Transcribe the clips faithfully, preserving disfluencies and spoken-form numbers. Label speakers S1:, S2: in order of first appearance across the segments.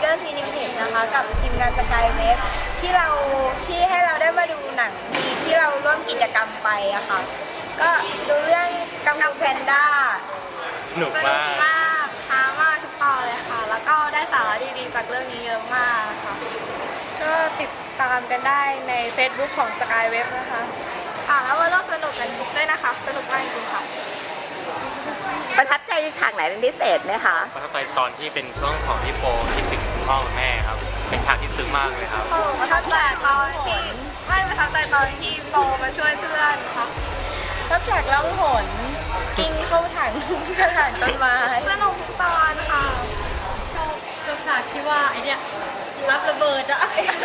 S1: เกอร์ซีนิเพจนะคะกับทีมงานสกายเวฟที่เราที่ให้เราได้มาดูหนังดีที่เราร่วมกิจกรรมไปอะค่ะก็ดูเรื่องกังฟูแพนด้า
S2: สนุกมาก
S1: มากฮามากทุกตอนเลยค่ะแล้วก็ได้สาระดีๆจากเรื่องนี้เยอะมากค่ะก็ติดตามกันได้ใน Facebook ของ Sky Web นะคะค่ะแล้วมาร่วมสนุกกันด้วยนะคะสนุกมากจริงๆค่ะ
S3: ประทับใจฉากไหนเป็นพิเศษไหมคะ
S2: ประทับใจตอนที่เป็นช่วงของพี่โปคิดถึงคุณพ่อคุณแม่ครับเป็นฉากที่ซึ้งมากเลยครับ
S1: ประทับใจตอนที่ไม่ประทับใจตอนที่โปมาช่วยเพื่อนค่ะประทับใจล่องหนกินเข้าถังกระถางต้นไม้สนุกทุกตอนค่ะ
S4: ชอบชอบฉากที่ว่าไอเนี้ยรับระเบิดอะ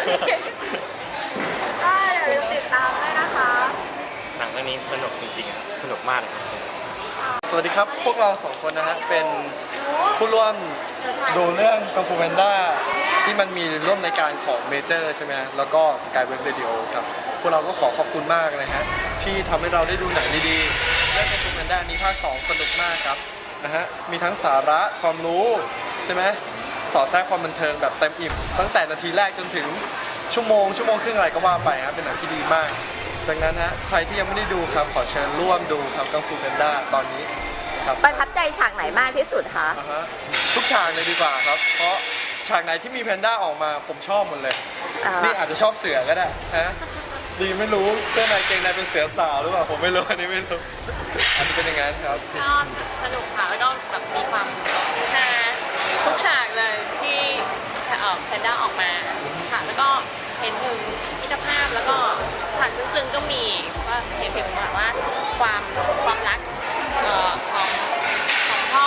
S1: ก็อย่าลืมติดตามด้วยนะคะ
S2: หนังเรื่องนี้สนุกจริงๆครับสนุกมากเลยครับ
S5: สวัสดีครับ พวกเราสองคนนะฮะเป็นผู้ร่วมดูเรื่องกังฟูแพนด้าที่มันมีร่วมในการของเมเจอร์ใช่ไหมฮะแล้วก็ Sky Web Radio ครับพวกเราก็ขอขอบคุณมากนะฮะที่ทำให้เราได้ดูหนังดีๆเรื่องกังฟูแพนด้านี้ภาคสองสนุกมากครับนะฮะมีทั้งสาระความรู้ใช่ไหมสอดแทรกความบันเทิงแบบเต็มอิ่มตั้งแต่นาทีแรกจนถึงชั่วโมงชั่วโมงครึ่งอะไรก็ว่าไปครับเป็นหนังที่ดีมากดังนั้นฮะใครที่ยังไม่ได้ดูครับขอเชิญร่วมดูครับกังฟูแพนด้าตอนนี้ครับ
S3: ประทับใจฉากไหนมากที่สุดคะ
S5: อ่าฮะทุกฉากเลยดีกว่าครับ เพราะฉากไหนที่มีแพนด้าออกมาผมชอบหมดเลย
S3: อ่า
S5: นี่อาจจะชอบเสือก็ได้ฮะดีไม่รู้เสื้อในเกงในเป็นเสือสาวหรือเปล่าผมไม่รู้อันนี้ไม่รู้อาจจะเป็นอย่างนั้นครับ
S4: ก็สนุกค่ะแล้วก็แบบมีความฮาทุกฉากเลยที่เอ่อแพนด้าออกมาค่ะแล้วก็เห็นถึงมิตรภาพแล้วก็ฉากซึ้งๆก็มีว่าเห็นถึงแบบว่าความความรักเอ่อของของพ่อ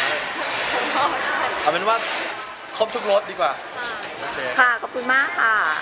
S4: ของพ่อ
S5: เอาเป็นว่าครบทุกรสดีกว่า
S4: ค่ะ
S5: โอเค
S3: ค่ะ ขอบคุณมากค่ะ